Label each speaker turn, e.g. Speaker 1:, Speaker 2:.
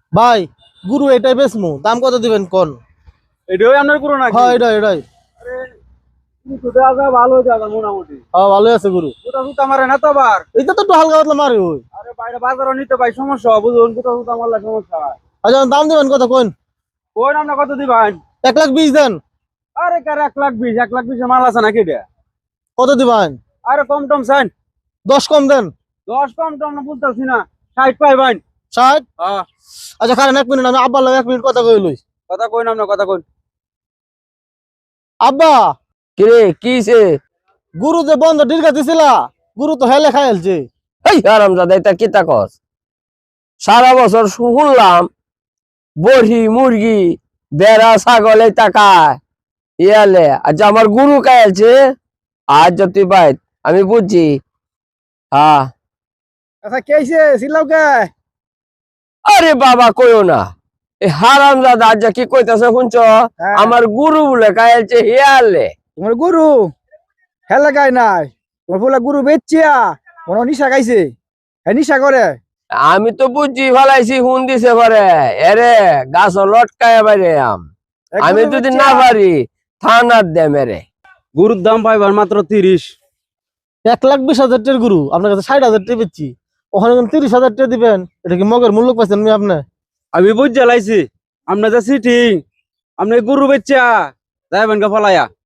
Speaker 1: ভাই গুরু এটাই বেচমু, দাম কত দিবেন কোন?
Speaker 2: এটাই আপনার গুরু নাকি?
Speaker 1: হ্যাঁ এটাই।
Speaker 2: আরে কিন্তু দেওয়া যায়, ভালো দেওয়া যায় মোটামুটি।
Speaker 1: হ্যাঁ ভালোই আছে গুরু।
Speaker 2: কোথা সুতা মারে না তো আবার?
Speaker 1: এটা তো একটু হালকা পাতলা মারি ওই।
Speaker 2: আরে বাইরে বাজারও নিতে ভাই সমস্যা, বুঝুন কোথা সুতা মারলে সমস্যা হয়।
Speaker 1: আচ্ছা দাম দিবেন কত কোন?
Speaker 2: কোন আপনি কত দিবেন?
Speaker 1: 1,20,000 দেন।
Speaker 2: আরে কার 1,20,000, 1,20,000 মাল আছে নাকি এটা?
Speaker 1: কত দিবেন?
Speaker 2: আরে কম টম চান?
Speaker 1: 10 কম দেন।
Speaker 2: 10 কম টম না বলতেছি না, 60 পাইবেন।
Speaker 1: 60।
Speaker 2: হ্যাঁ।
Speaker 1: আচ্ছা খারেন 1 মিনিট, আমি আব্বার লাগে 1 মিনিট কথা কই লই।
Speaker 2: কথা কই না, কথা কই।
Speaker 1: আব্বা,
Speaker 3: কিরে কিছে?
Speaker 1: গুরু যে বন্ধ দীর্ঘা দিছিলা, গুরু তো হেলে খাইলছে।
Speaker 3: এই হারামজাদা এটা কি তাকস? সারা বছর শুনলাম বড়ি মুরগি বেড়া ছাগল এই টাকায় ইয়ালে আজ আমার গুরু খাইছে। আজ যদি পাই আমি বুঝছি। হ্যাঁ
Speaker 2: আচ্ছা কে আইছে সিলাও কে?
Speaker 3: আরে বাবা কইও না, এই হারামজাদা আজ কি কইতাছে শুনছ? আমার গুরু বলে খাইছে ইয়ালে।
Speaker 2: তোমার গুরু হেলে গায় নাই, তোমার ফুলা গুরু বেচিয়া মনে নিশা গাইছে, হ্যাঁ নিশা করে।
Speaker 3: আমি তো বুঝছি ফেলাইছি হুন দিছে পারে এরে গাছ লটকায় বাইরে আমি যদি না পারি থানার দে মেরে।
Speaker 2: গুরুর দাম পাইবার মাত্র 30।
Speaker 1: 1,20,000 টাকার গুরু আপনার কাছে 60,000 টাকা বেচছি, ওখানে 30,000 টাকা দিবেন। এটা কি মগের মূল্য পাইছেন আমি আপনি?
Speaker 2: আমি বুঝ জ্বালাইছি আপনার যে সিটিং, আপনি গুরু বেচা যাইবেন কা ফলাইয়া।